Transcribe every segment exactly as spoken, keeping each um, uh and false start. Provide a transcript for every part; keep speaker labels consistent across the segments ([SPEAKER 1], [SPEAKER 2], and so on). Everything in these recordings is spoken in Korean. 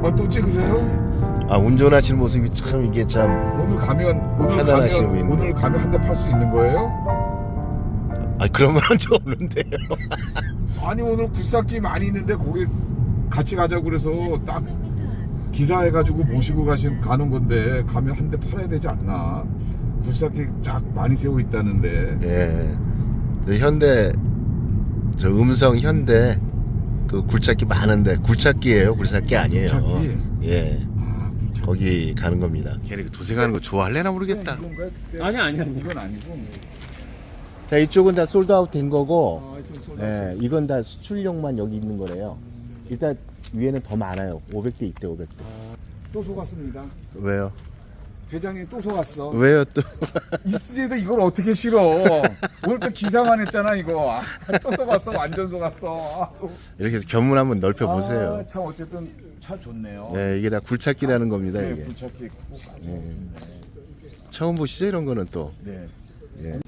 [SPEAKER 1] 어, 또 찍으세요?
[SPEAKER 2] 아 운전하시는 모습이 참 이게 참
[SPEAKER 1] 오늘 가면 오늘
[SPEAKER 2] 편안하시게
[SPEAKER 1] 가면
[SPEAKER 2] 보이네.
[SPEAKER 1] 오늘 가면 한 대 팔 수 있는 거예요?
[SPEAKER 2] 아 그런 건 저 없는데요.
[SPEAKER 1] 아니 오늘 굴삭기 많이 있는데 거기 같이 가자고 그래서 딱 기사해가지고 모시고 가신 가는 건데 가면 한 대 팔아야 되지 않나? 굴삭기 쫙 많이 세워 있다는데.
[SPEAKER 2] 예. 저 현대 저 음성 현대 그 굴착기 많은데 굴착기예요. 굴삭기 아니에요.
[SPEAKER 1] 굴착기?
[SPEAKER 2] 예.
[SPEAKER 1] 아, 굴착기.
[SPEAKER 2] 거기 가는 겁니다. 걔네 그 도색하는 거 좋아할래나 모르겠다.
[SPEAKER 1] 이건가요? 그때?
[SPEAKER 3] 아니 아니 아니.
[SPEAKER 1] 이건 아니고.
[SPEAKER 2] 자 이쪽은 다 솔드아웃 된 거고,
[SPEAKER 1] 아, 좀 쏠-
[SPEAKER 2] 예, 이건 다 수출용만 여기 있는 거래요. 일단 위에는 더 많아요. 오백 대 있대 오백 대.
[SPEAKER 1] 또 속았습니다.
[SPEAKER 2] 왜요?
[SPEAKER 1] 회장님 또 속았어.
[SPEAKER 2] 왜요 또?
[SPEAKER 1] 이스제도 이걸 어떻게 싫어? 오늘 또 기사만 했잖아 이거. 아, 또 속았어. 완전 속았어. 아,
[SPEAKER 2] 이렇게 해서 견문 한번 넓혀 보세요.
[SPEAKER 1] 아, 참 어쨌든 차 좋네요.
[SPEAKER 2] 예, 이게 다 굴착기라는 겁니다.
[SPEAKER 1] 네,
[SPEAKER 2] 이게
[SPEAKER 1] 굴착기 꼭 가지고.
[SPEAKER 2] 예. 처음 보시죠 이런 거는 또.
[SPEAKER 1] 네.
[SPEAKER 2] 예.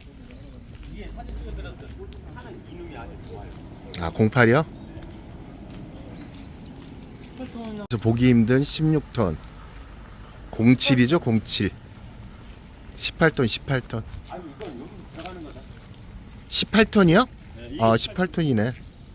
[SPEAKER 2] 아 공팔이요? 그래서 보기 힘든 십육 톤 공칠이죠 공칠 십팔 톤 십팔 톤 십팔 톤이요? 아 십팔 톤이네.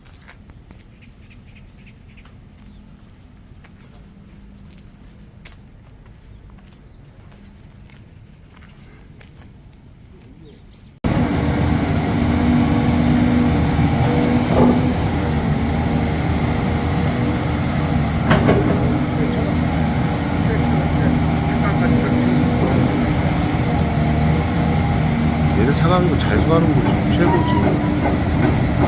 [SPEAKER 2] 얘들 사가는 잘 사가는 거 최고지.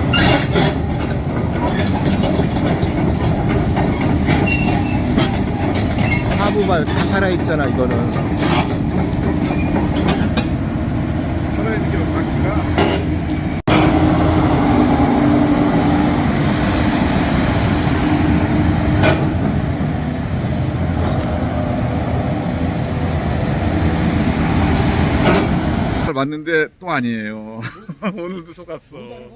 [SPEAKER 2] 하부발 다 살아있잖아 이거는.
[SPEAKER 1] 살아있는 게 바퀴가. 맞는데 또 아니에요. 오늘도 속았어.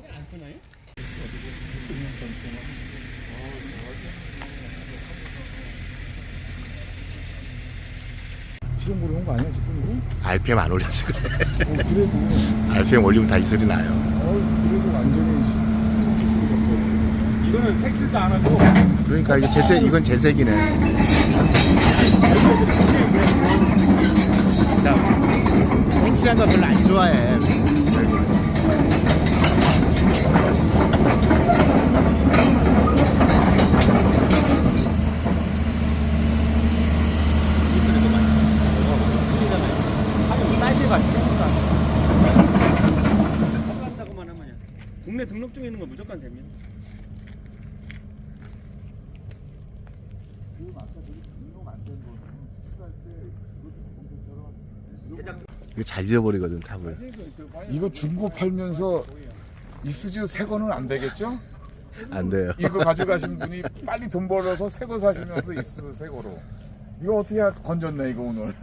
[SPEAKER 1] 시동 걸어온 거 아니야 지금
[SPEAKER 2] 알피엠 안 올려서 그래.
[SPEAKER 1] 이거? 어, 그래도
[SPEAKER 2] 알피엠 올리면 다 이 소리 나요.
[SPEAKER 1] 어, 그래도 완전히 스위치 소리 같아.
[SPEAKER 3] 이거는 색칠도 안 하고
[SPEAKER 2] 그러니까 이게 재색 이건 재색이네. 색칠한 거 별로 안 좋아해.
[SPEAKER 3] 사이즈가 있으니까 한다고만 하면 국내 등록 중에 있는 건 무조건 됩니다.
[SPEAKER 2] 이거 잘 지어버리거든 탑을.
[SPEAKER 1] 이거 중고 팔면서 이스즈 새 거는 안 되겠죠?
[SPEAKER 2] 안 돼요.
[SPEAKER 1] 이거 가져가신 분이 빨리 돈 벌어서 새 거 사시면서 이스즈 새 거로. 이거 어떻게 하- 건졌네 이거 오늘.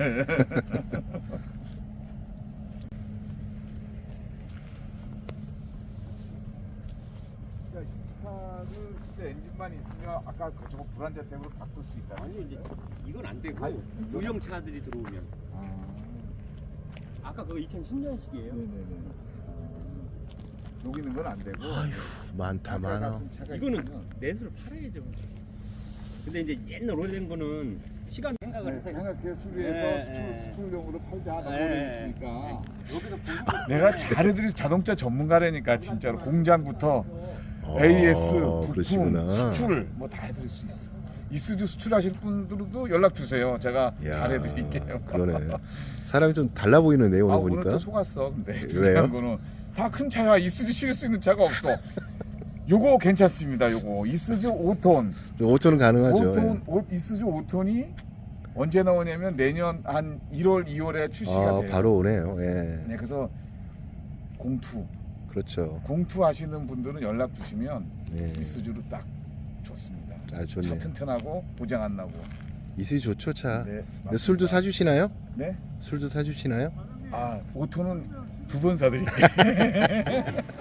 [SPEAKER 1] 차를 진짜 엔진만 있으면 아까 그 저거 불안자 때문에 바꿀 수 있다.
[SPEAKER 3] 아니 이제 이건 안 되고
[SPEAKER 1] 아니,
[SPEAKER 3] 유령 차들이 들어오면
[SPEAKER 1] 아,
[SPEAKER 3] 아까 그거 이천십 년식이에요.
[SPEAKER 1] 네네네. 여기는 건 안 되고.
[SPEAKER 2] 많다 많아.
[SPEAKER 3] 이거는 내수를 팔아야죠. 근데 이제 옛날 오래된 거는 시간 생각을 해서
[SPEAKER 1] 생각해 수리해서
[SPEAKER 3] 네,
[SPEAKER 1] 수출,
[SPEAKER 3] 네.
[SPEAKER 1] 수출용으로 팔자 하는
[SPEAKER 3] 네.
[SPEAKER 1] 거니까.
[SPEAKER 3] 여기서 보고
[SPEAKER 1] 내가 잘해드린 자동차 전문가라니까 진짜로 공장부터 에이에스, 부품,
[SPEAKER 2] 그러시구나.
[SPEAKER 1] 수출 뭐 다 해드릴 수 있어. 이스즈 수출하실 분들도 연락 주세요. 제가
[SPEAKER 2] 야,
[SPEAKER 1] 잘해드릴게요.
[SPEAKER 2] 그러네. 사람이 좀 달라 보이는데 오늘
[SPEAKER 1] 아, 오늘
[SPEAKER 2] 보니까.
[SPEAKER 1] 또 속았어. 근데
[SPEAKER 2] 왜요?
[SPEAKER 1] 중요한 거는 다 큰 차야. 이스즈 실을 수 있는 차가 없어. 요거 괜찮습니다. 요거 이스즈 오 톤.
[SPEAKER 2] 오 톤은 가능하죠.
[SPEAKER 1] 오 톤, 오, 이스즈 오 톤이 언제 나오냐면 내년 한 일월, 이월에 출시가
[SPEAKER 2] 아,
[SPEAKER 1] 돼요.
[SPEAKER 2] 바로 오네요. 예.
[SPEAKER 1] 네, 그래서 공투,
[SPEAKER 2] 그렇죠.
[SPEAKER 1] 공투 하시는 분들은 연락 주시면
[SPEAKER 2] 예.
[SPEAKER 1] 이스즈로 딱 좋습니다.
[SPEAKER 2] 아, 좋네.
[SPEAKER 1] 차 튼튼하고 고장 안 나고.
[SPEAKER 2] 이슬이 좋죠 차.
[SPEAKER 1] 네,
[SPEAKER 2] 근데
[SPEAKER 1] 맞습니다.
[SPEAKER 2] 술도 사주시나요?
[SPEAKER 1] 네?
[SPEAKER 2] 술도 사주시나요?
[SPEAKER 1] 아, 오 톤은 두 번 사드릴게요.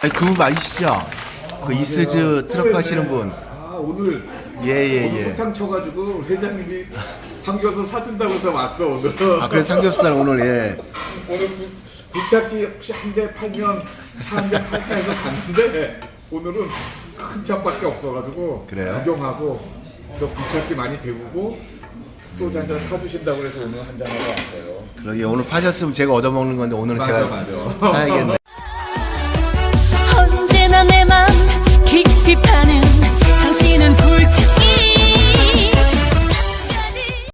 [SPEAKER 2] 아니 그분 맞으시죠? 그 이스즈 트럭 가시는 분.
[SPEAKER 1] 아 오늘
[SPEAKER 2] 예예예.
[SPEAKER 1] 오늘 호탕 쳐가지고 회장님이 삼겹살 사준다고 해서 왔어 오늘.
[SPEAKER 2] 아 그래서 삼겹살 오늘 예.
[SPEAKER 1] 오늘 구, 굴착기 혹시 한 대 팔면 차 한 대 팔까 해서 갔는데 오늘은 큰 차밖에 없어가지고
[SPEAKER 2] 그래요?
[SPEAKER 1] 구경하고 또 굴착기 많이 배우고 소주 한 잔 사주신다고 해서 오늘 한 잔 하러 왔어요.
[SPEAKER 2] 그러게 오늘 파셨으면 제가 얻어먹는 건데 오늘은
[SPEAKER 1] 맞아,
[SPEAKER 2] 제가
[SPEAKER 1] 맞아.
[SPEAKER 2] 사야겠네.
[SPEAKER 4] 언제나 내 맘 깊이 파는